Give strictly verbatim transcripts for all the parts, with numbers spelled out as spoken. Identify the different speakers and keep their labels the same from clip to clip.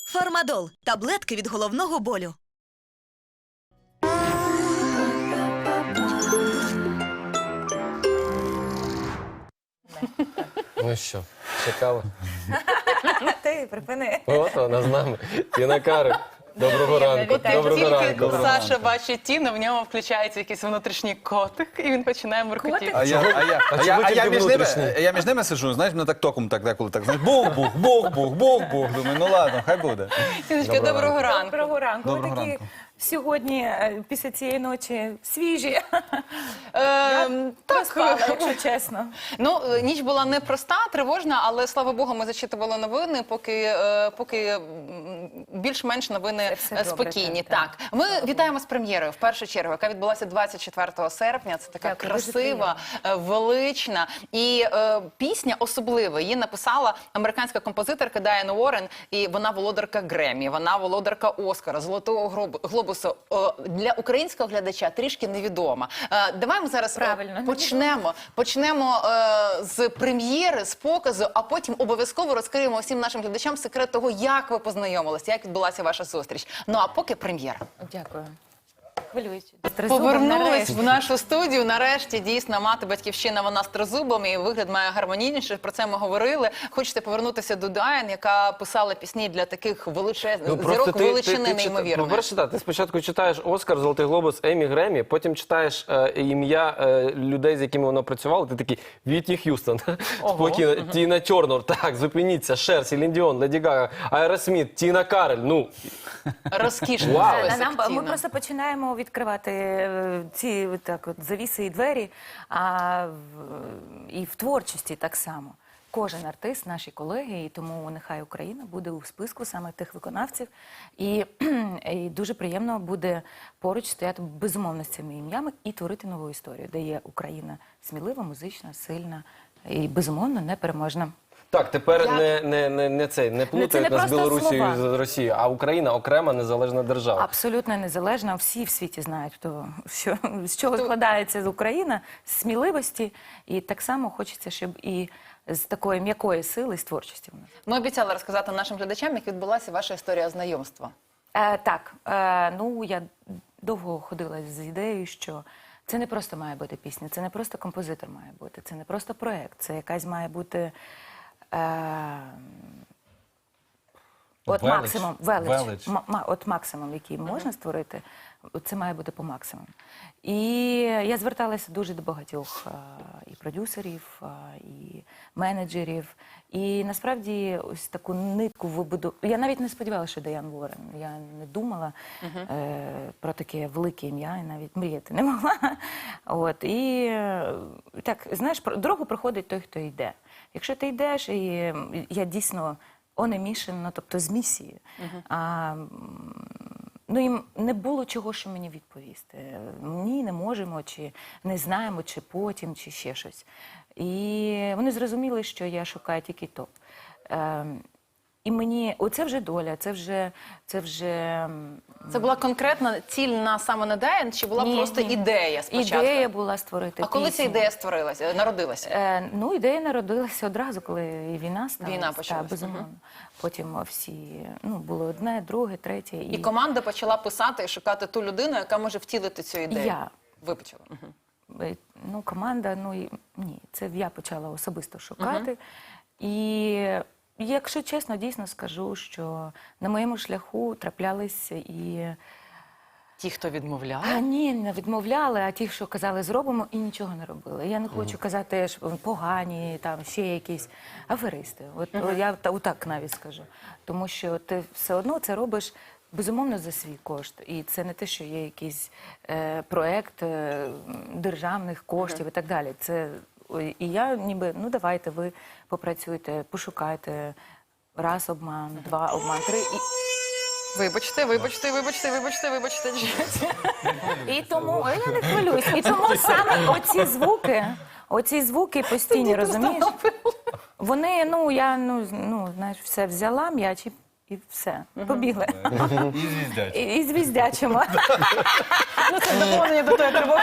Speaker 1: Фармадол – таблетки від головного болю.
Speaker 2: Ну що, чекали?
Speaker 3: Ти припини.
Speaker 2: От вона з нами. Тіна Кароль. Доброго ранку. Доброго
Speaker 4: Тільки
Speaker 2: ранку.
Speaker 4: Саша бачить Тіну, в ньому включається якийсь внутрішній котик, і він починає муркотіти.
Speaker 5: А я, а я,
Speaker 2: А
Speaker 5: а я,
Speaker 2: чого
Speaker 5: а я,
Speaker 2: тільки
Speaker 5: між ними,
Speaker 2: внутрішній?
Speaker 5: я між ними сиджу, знаєш, мене так током так деколи так, знаєш, бух-бух, бух-бух, бух-бух. Думаю, ну ладно, хай буде.
Speaker 4: Тіночка, доброго ранку.
Speaker 3: Доброго ранку. Ви
Speaker 5: Доброго
Speaker 3: такі
Speaker 5: ранку.
Speaker 3: сьогодні, е, після цієї ночі, свіжі.
Speaker 4: Ем,
Speaker 3: Проспала,
Speaker 4: Так,
Speaker 3: якщо чесно.
Speaker 4: ну, е, ніч була непроста, тривожна, але, слава Богу, ми зачитували новини, поки, е, поки м, більш-менш новини
Speaker 3: Все
Speaker 4: е,
Speaker 3: добре,
Speaker 4: спокійні.
Speaker 3: так,
Speaker 4: Так,
Speaker 3: так.
Speaker 4: ми вітаємо з прем'єрою, в першу чергу, яка відбулася двадцять четвертого серпня. Це така
Speaker 3: Дякую, дуже
Speaker 4: красива, е, велична і е, пісня особлива. Її написала американська композиторка Дайан Уоррен, і вона володарка Греммі, вона володарка Оскара, Золотого Гроб- глобусу. Е, для українського глядача трішки невідома. Е, давай ми зараз е,
Speaker 3: Правильно,
Speaker 4: почнемо, почнемо е, з прем'єри, з показу, а потім обов'язково розкриємо всім нашим глядачам секрет того, як ви познайомилися, як відбулася ваша зустріч. Ну а поки прем'єра.
Speaker 3: Дякую. Хвилюючи.
Speaker 4: Повернулись в нашу студію. Нарешті дійсно мати батьківщина, вона з тризубами, і вигляд має гармонійніший. Про це ми говорили. Хочете повернутися до Дайан, яка писала пісні для таких величезних зірок величини неймовірної.
Speaker 2: По-перше, так, ти спочатку читаєш Оскар, Золотий глобус, Еммі, Греммі, потім читаєш е, ім'я е, людей, з якими вона працювала, ти такий, Вітні Х'юстон, спокійно, Тіна Тернер, так, зупиніться, Шер, Селін Діон, Леді Гага, Аеросміт, Тіна Кароль, ну.
Speaker 4: Розкішний
Speaker 2: Вау.
Speaker 4: список,
Speaker 3: Нам, ми
Speaker 4: Тіна.
Speaker 3: просто починаємо відкривати е, ці так, от, завіси і двері, а в, і в творчості так само. Кожен артист, наші колеги, і тому нехай Україна буде у списку саме тих виконавців. І, і дуже приємно буде поруч стояти безумовно з цими ім'ями і творити нову історію, де є Україна смілива, музична, сильна і безумовно непереможна.
Speaker 2: Так, тепер
Speaker 4: Я-
Speaker 2: не, не, не, не цей, не плутають
Speaker 3: не
Speaker 2: нас з
Speaker 3: просто
Speaker 2: Білорусією і
Speaker 3: слова.
Speaker 2: з Росією, а Україна окрема незалежна держава.
Speaker 3: Абсолютно незалежна. Всі в світі знають, хто, що, з чого складається Україна, з сміливості. І так само хочеться, щоб і з такої м'якої сили, з творчості в нас.
Speaker 4: Ми обіцяли розказати нашим глядачам, як відбулася ваша історія знайомства.
Speaker 3: Е, так, е, ну я довго ходила з ідеєю, що це не просто має бути пісня, це не просто композитор має бути, це не просто проєкт, це якась має бути е, от
Speaker 5: Велич.
Speaker 3: максимум, велич,
Speaker 5: Велич.
Speaker 3: ма- ма- от максимум, який можна створити, це має бути по максимуму. І я зверталася дуже до багатьох е, і продюсерів, е, і менеджерів. І насправді ось таку нитку вибуду. Я навіть не сподівалася, що Дайан Уоррен. Я не думала е, про таке велике ім'я, і навіть мріяти не могла. От і е, так, знаєш, про- дорогу проходить той, хто йде. Якщо ти йдеш, і е, я дійсно on a mission, ну, тобто з місією. А, м, ну, їм не було чого, що мені відповісти. Ні, не можемо, чи не знаємо, чи потім, чи ще щось. І вони зрозуміли, що я шукаю тільки топ. Ем, і мені, оце вже доля, це вже, це вже м,
Speaker 4: Це була конкретна ціль на саме на Дайан, чи була
Speaker 3: Ні,
Speaker 4: просто
Speaker 3: ні.
Speaker 4: ідея спочатку?
Speaker 3: ідея була створити
Speaker 4: А коли ця
Speaker 3: пісню.
Speaker 4: ідея створилася, народилася?
Speaker 3: Е, ну, ідея народилася одразу, коли і війна сталася.
Speaker 4: Війна почалась,
Speaker 3: Так, безумовно. Потім всі, ну, було одне, друге, третє.
Speaker 4: І команда почала писати і шукати ту людину, яка може втілити цю ідею.
Speaker 3: Я.
Speaker 4: Ви почали. Мгм.
Speaker 3: Е, Ну, команда, ну, і, ні, це я почала особисто шукати. І, якщо чесно, дійсно скажу, що на моєму шляху траплялися і...
Speaker 4: Ті, хто відмовляв.
Speaker 3: А ні, не відмовляли, а ті, що казали, зробимо, і нічого не робили. Я не хочу казати, що вони погані, там, ще якісь аферисти. От, о, я та- отак навіть скажу. Тому що ти все одно це робиш, безумовно, за свій кошт. І це не те, що є якийсь е, проект е, державних коштів і так далі. Це, ой, і я ніби, ну давайте, ви попрацюйте, пошукайте. Раз обман, два обман, три. І...
Speaker 4: Вибачте, вибачте, вибачте, вибачте, вибачте.
Speaker 3: І тому Ой, я не хвилююсь. І тому саме оці звуки, оці звуки постійні, розумієш? Вони, ну я ну, з- ну знаєш, все взяла м'яч і, і все. Побігли.
Speaker 5: І звіздять.
Speaker 3: І, і звіздячимо.
Speaker 4: Ну, це доповнення до тої тривоги,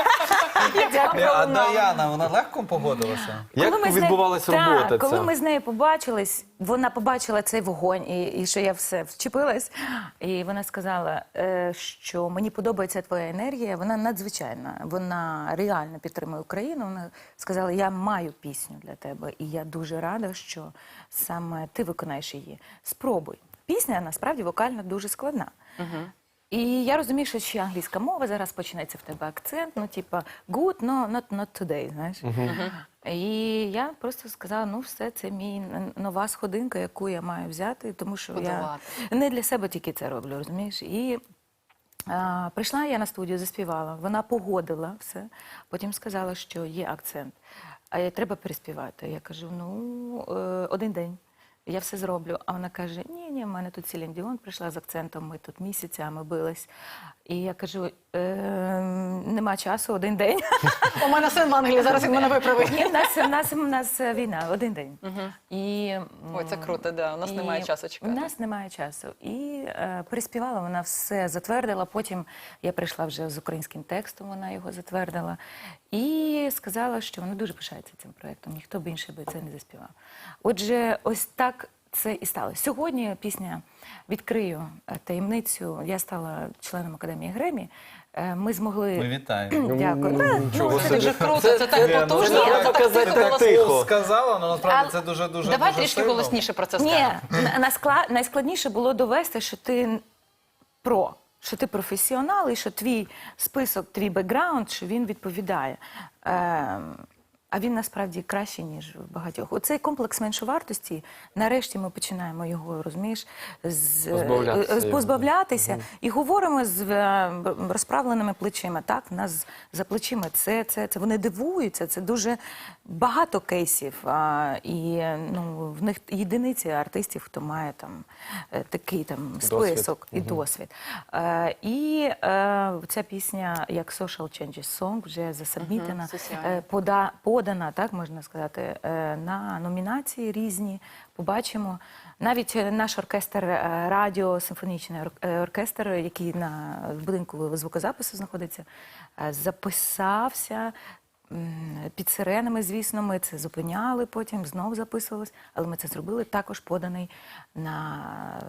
Speaker 4: яка
Speaker 5: А Даяна, вона легко погодилася?
Speaker 2: Як
Speaker 3: Коли ми з нею-
Speaker 2: відбувалася
Speaker 3: Так,
Speaker 2: робота
Speaker 3: коли
Speaker 2: ця?
Speaker 3: ми з нею побачились, вона побачила цей вогонь, і, і що я все вчепилась. І вона сказала, е, що мені подобається твоя енергія, вона надзвичайна, вона реально підтримує Україну. Вона сказала, я маю пісню для тебе, і я дуже рада, що саме ти виконаєш її. Спробуй. Пісня, насправді, вокально дуже складна. І я розумію, що ще англійська мова, зараз почнеться в тебе акцент, ну, типа, good, no, not, not today, знаєш. І я просто сказала, ну, все, це мій нова сходинка, яку я маю взяти, тому що
Speaker 4: Подолати.
Speaker 3: я не для себе тільки це роблю, розумієш. І а, прийшла я на студію, заспівала, вона погодила все, потім сказала, що є акцент, а я треба переспівати. Я кажу, ну, е, один день. Я все зроблю. А вона каже, ні, ні, в мене тут Селін Діон прийшла з акцентом, ми тут місяцями бились. І я кажу, е, нема часу, один день.
Speaker 4: У мене син в Англії, зараз він мене виправить.
Speaker 3: Ні, в нас, в нас, в нас війна, один день. І,
Speaker 4: Ой, це круто, да, у нас немає часу чекати.
Speaker 3: У нас немає часу. І е, переспівала, вона все затвердила, потім я прийшла вже з українським текстом, вона його затвердила. І сказала, що вона дуже пишається цим проєктом, ніхто б інший би це не заспівав. Отже, ось так це і сталося. Сьогодні пісня «Відкрию таємницю». Я стала членом Академії Гремі. Е, Ми змогли...
Speaker 5: Ми вітаємо.
Speaker 3: Дякую. Та, ну,
Speaker 4: Це дуже круто, це так
Speaker 5: Ні, ну,
Speaker 4: потужно,
Speaker 5: це
Speaker 4: але
Speaker 2: треба
Speaker 4: так
Speaker 2: казати
Speaker 4: тихо,
Speaker 2: так
Speaker 4: голосно.
Speaker 2: тихо.
Speaker 5: Сказала, але насправді
Speaker 3: А-
Speaker 5: це дуже-дуже
Speaker 4: Давай
Speaker 5: дуже
Speaker 4: трішки
Speaker 5: сильно.
Speaker 4: голосніше про це
Speaker 3: Ні,
Speaker 4: скажемо.
Speaker 3: на- наскла- найскладніше було довести, що ти про, що ти професіонал і що твій список, твій бекграунд, що він відповідає. Ем, а він насправді кращий, ніж в багатьох. Оцей комплекс меншовартості, нарешті ми починаємо його, розумієш, з,
Speaker 2: Позбавлятися
Speaker 3: е, з-
Speaker 2: його.
Speaker 3: позбавлятися і говоримо з е, розправленими плечима. Так, в нас за плечима це, це, це вони дивуються, це дуже багато кейсів. А, і ну, в них єдиниці артистів, хто має там е, такий там список і досвід. Е, і е, ця пісня, як Social Changes Song, вже засабмітена,
Speaker 4: Мгм, соціальна.
Speaker 3: е, пода, подана, так можна сказати, е, на номінації різні. Побачимо. Навіть е, наш оркестр, е, радіо, симфонічний ор- е, оркестр, який на в будинку звукозапису знаходиться, е, записався м, під сиренами, звісно, ми це зупиняли, потім знов записувалось, але ми це зробили, також поданий на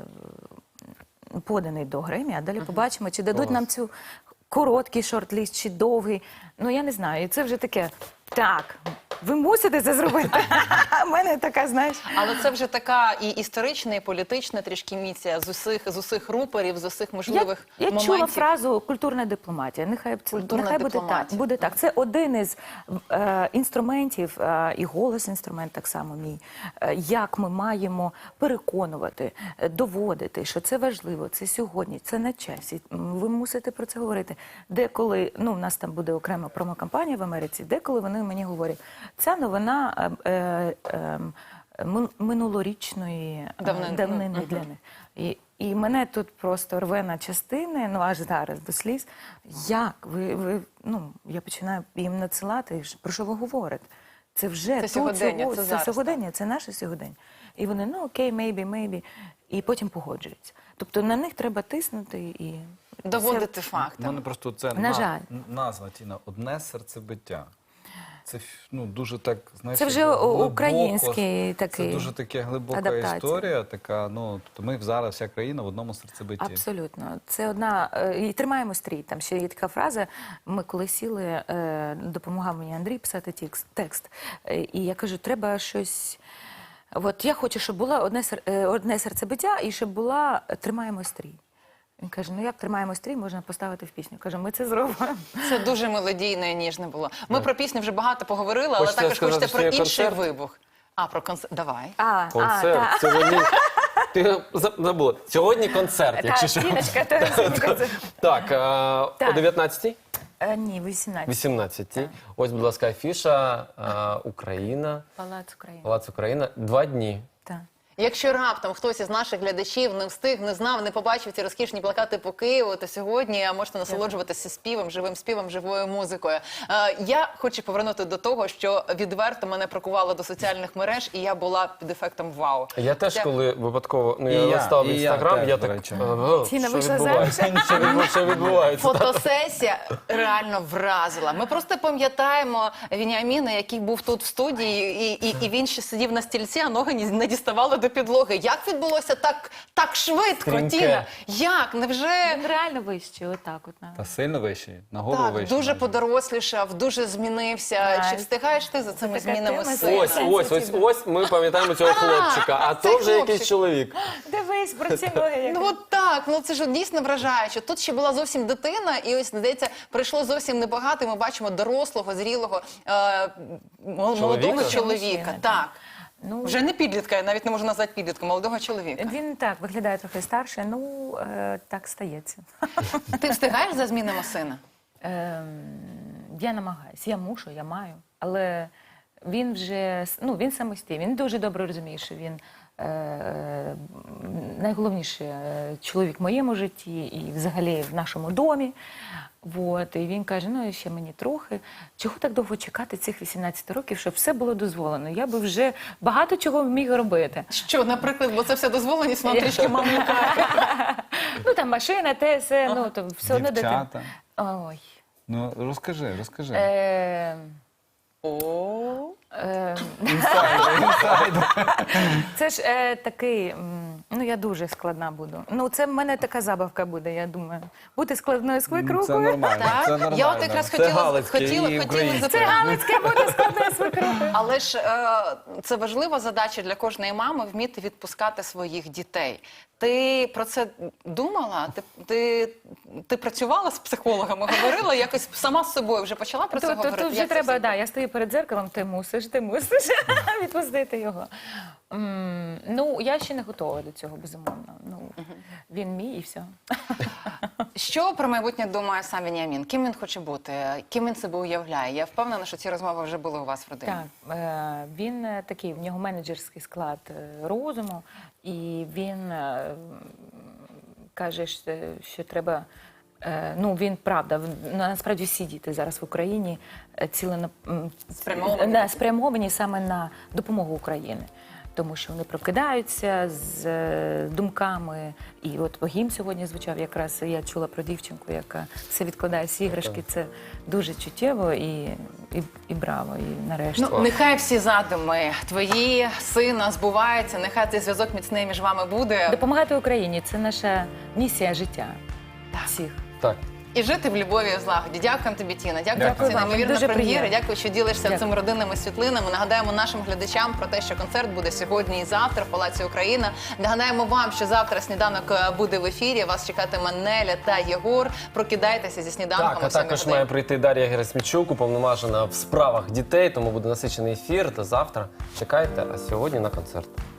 Speaker 3: поданий до Гремі, а далі побачимо, чи дадуть
Speaker 2: Клас.
Speaker 3: нам цю короткий шорт-ліст, чи довгий. Ну, я не знаю. І це вже таке, так, ви мусите це зробити. У мене така, знаєш.
Speaker 4: Але це вже така і історична, і політична трішки місія з усіх, з усіх рупорів, з усіх можливих
Speaker 3: Я, я
Speaker 4: моментів.
Speaker 3: чула фразу «культурна дипломатія». Нехай, це,
Speaker 4: Культурна
Speaker 3: нехай буде
Speaker 4: дипломатія.
Speaker 3: так, буде так. Це один із е, інструментів, е, і голос інструмент так само мій, е, як ми маємо переконувати, е, доводити, що це важливо, це сьогодні, це на часі. М, Ви мусите про це говорити. Деколи, ну, в нас там буде окрема промокампанія в Америці, деколи вони мені говорять, ця новина е, е, е, мин- минулорічної е,
Speaker 4: Давнини.
Speaker 3: давнини для них. І, і мене тут просто рве на частини, ну аж зараз до сліз. Як ви, ви ну я починаю їм надсилати, про що ви говорите? Це вже
Speaker 4: Це
Speaker 3: тут,
Speaker 4: сьогодення,
Speaker 3: сього-
Speaker 4: це
Speaker 3: це
Speaker 4: зараз,
Speaker 3: сьогодення, це наше сьогодення. І вони, ну окей, maybe, maybe, і потім погоджуються. Тобто на них треба тиснути і
Speaker 4: Доводити
Speaker 5: У
Speaker 4: факти.
Speaker 5: мене просто це
Speaker 3: На
Speaker 5: на-
Speaker 3: жаль.
Speaker 5: назва, Тіна, «Одне серцебиття». Це ну, дуже так, знаєш,
Speaker 3: Це вже
Speaker 5: глибоко,
Speaker 3: український такий
Speaker 5: Це дуже таке глибока
Speaker 3: адаптація.
Speaker 5: історія, така, ну, тобто ми зараз, вся країна в одному серцебитті.
Speaker 3: Абсолютно. Це одна... е, І тримаємо стрій. Там ще є така фраза. Ми коли сіли, е, допомагав мені Андрій писати текст, текст. Е, І я кажу, треба щось... От я хочу, щоб було одне, сер- е, одне серцебиття і щоб була «Тримаємо стрій». Він каже, ну як «Тримаємо стрій» можна поставити в пісню. Кажу, ми це зробимо.
Speaker 4: Це дуже мелодійно і ніжне було. Ми про пісню вже багато поговорили, але
Speaker 2: Хочете
Speaker 4: також
Speaker 2: сказати,
Speaker 4: хочете про
Speaker 2: що є
Speaker 4: інший
Speaker 2: концерт?
Speaker 4: вибух. А, про концерт. Давай.
Speaker 3: А, а,
Speaker 2: Концерт.
Speaker 3: та.
Speaker 2: Сьогодні... Ти за- забула. Сьогодні концерт, якщо
Speaker 3: Та,
Speaker 2: що.
Speaker 3: Тіночка, то сьогодні концерт.
Speaker 2: Так, е, о
Speaker 3: Так.
Speaker 2: дев'ятнадцятій?
Speaker 3: Е, Ні, вісімнадцять.
Speaker 2: вісімнадцятій. Ось, будь ласка, афіша. е, Україна.
Speaker 3: Палац України.
Speaker 2: Палац Україна. Два дні.
Speaker 3: Так.
Speaker 4: Якщо раптом хтось із наших глядачів не встиг, не знав, не побачив ці розкішні плакати по Києву, то сьогодні можете насолоджуватися співом, живим співом, живою музикою. Е, я хочу повернути до того, що відверто мене прокувало до соціальних мереж, і я була під ефектом вау.
Speaker 2: Я теж,
Speaker 4: Це-
Speaker 2: коли випадково ну,
Speaker 5: І
Speaker 2: я
Speaker 5: я,
Speaker 2: листав
Speaker 5: і я
Speaker 2: інстаграм,
Speaker 5: теж,
Speaker 2: я
Speaker 5: до
Speaker 2: так.
Speaker 5: речі.
Speaker 2: ага,
Speaker 3: Тіна
Speaker 2: що
Speaker 3: вийшла
Speaker 2: відбувається? Що відбу- Що відбувається?
Speaker 4: Фотосесія реально вразила. Ми просто пам'ятаємо Веніаміна, який був тут в студії, і, і, і він ще сидів на стільці, а ноги ні- не діставали до до підлоги. Як відбулося так, так швидко,
Speaker 2: Стрімке.
Speaker 4: Тіна? Як? Невже...
Speaker 3: Він реально вищий, отак от. на-
Speaker 5: Та сильно вищий, на голову
Speaker 4: Так,
Speaker 5: вищий.
Speaker 4: дуже
Speaker 5: навіть.
Speaker 4: подорослішав, дуже змінився.
Speaker 3: Так.
Speaker 4: Чи встигаєш ти за цими
Speaker 3: така
Speaker 4: змінами
Speaker 3: тема
Speaker 4: сина?
Speaker 2: Ось, ось, ось, ось ми пам'ятаємо цього хлопчика, а
Speaker 4: цей
Speaker 2: то вже
Speaker 4: хлопчик.
Speaker 2: якийсь чоловік.
Speaker 3: Дивись, про ці ноги. як-
Speaker 4: Ну от так, ну це ж дійсно вражаюче. Тут ще була зовсім дитина, і ось, здається, прийшло зовсім небагато, і ми бачимо дорослого, зрілого, е, мол- молодого
Speaker 2: Чоловіка?
Speaker 4: чоловіка.
Speaker 3: Мужчина,
Speaker 4: Так.
Speaker 3: Ну,
Speaker 4: Вже не підлітка, я навіть не можу назвати підлітком, молодого чоловіка.
Speaker 3: він так виглядає трохи старше, ну е, так стається.
Speaker 4: Ти встигаєш за змінами сина?
Speaker 3: Ем, я намагаюся, я мушу, я маю. Але він вже ну, він самостійний. Він дуже добре розуміє, що він е, найголовніший е, чоловік в моєму житті і взагалі в нашому домі. Вот. І він каже: ну ще мені трохи. Чого так довго чекати цих вісімнадцять років, щоб все було дозволено? Я би вже багато чого міг робити.
Speaker 4: Що, наприклад, бо це все дозволеність, воно трішки мам лякає.
Speaker 3: Ну там машина, те, все, ну то все одно дитина.
Speaker 5: Дівчата.
Speaker 3: Ой.
Speaker 5: Ну, розкажи, розкажи.
Speaker 3: Е,
Speaker 4: О,
Speaker 3: е,
Speaker 5: Інсайдер, інсайдер.
Speaker 3: Це ж е, такий, м, ну я дуже складна буду. Ну це в мене така забавка буде, я думаю. Бути складною свекрухою.
Speaker 5: Це нормально,
Speaker 4: так?
Speaker 5: це нормально.
Speaker 4: Я от якраз
Speaker 2: Це
Speaker 4: хотіла,
Speaker 2: галицьке
Speaker 4: хотіла,
Speaker 2: і
Speaker 4: хотіла
Speaker 2: українське.
Speaker 3: Це
Speaker 4: запитати.
Speaker 3: Галицьке бути складною свекрухою.
Speaker 4: Але ж е, це важлива задача для кожної мами – вміти відпускати своїх дітей. Ти про це думала? Ти, ти, ти працювала з психологами, говорила якось сама з собою, вже почала про це
Speaker 3: То, то,
Speaker 4: говорити?
Speaker 3: то вже
Speaker 4: Як це
Speaker 3: треба,
Speaker 4: все
Speaker 3: да, я стою перед дзеркалом, ти мусиш, ти мусиш відпустити його. М, ну, я ще не готова до цього, безумовно. Ну, він мій і все.
Speaker 4: Що про майбутнє думає сам Веніамін? Ким він хоче бути? Ким він себе уявляє? Я впевнена, що ці розмови вже були у вас в родині.
Speaker 3: Так, е, він е, такий, в нього менеджерський склад е, розуму, і він е, каже, що, що треба. е, Ну, він правда, в- насправді всі діти зараз в Україні е, цілено м,
Speaker 4: Спрямовані.
Speaker 3: да, спрямовані саме на допомогу Україні. Тому що вони прокидаються з е, думками. І от гімн сьогодні звучав якраз, я чула про дівчинку, яка все відкладає всі іграшки. Це дуже чуттєво і, і, і браво, і нарешті.
Speaker 4: Ну, нехай всі задуми твої, сина збуваються, нехай цей зв'язок міцний між вами буде.
Speaker 3: Допомагати Україні це наша місія життя. Всіх.
Speaker 2: Так.
Speaker 4: І жити в любові і в злагоді. Дякуємо тобі, Тіна. Дякую,
Speaker 3: Дякую
Speaker 4: за цю
Speaker 3: вам.
Speaker 4: неймовірну
Speaker 3: Дуже
Speaker 4: прем'єру.
Speaker 3: приємно.
Speaker 4: Дякую, що ділишся
Speaker 3: Дякую.
Speaker 4: цими родинними світлинами. Нагадаємо нашим глядачам про те, що концерт буде сьогодні і завтра в Палаці Україна. Нагадаємо вам, що завтра сніданок е, буде в ефірі. Вас чекатиме Неля та Єгор. Прокидайтеся зі сніданком.
Speaker 2: Так,
Speaker 4: о
Speaker 2: а
Speaker 4: сьомій
Speaker 2: також
Speaker 4: годині.
Speaker 2: має прийти Дар'я Герасимчук, уповноважена в справах дітей, тому буде насичений ефір. Та завтра чекайте, а сьогодні на концерт.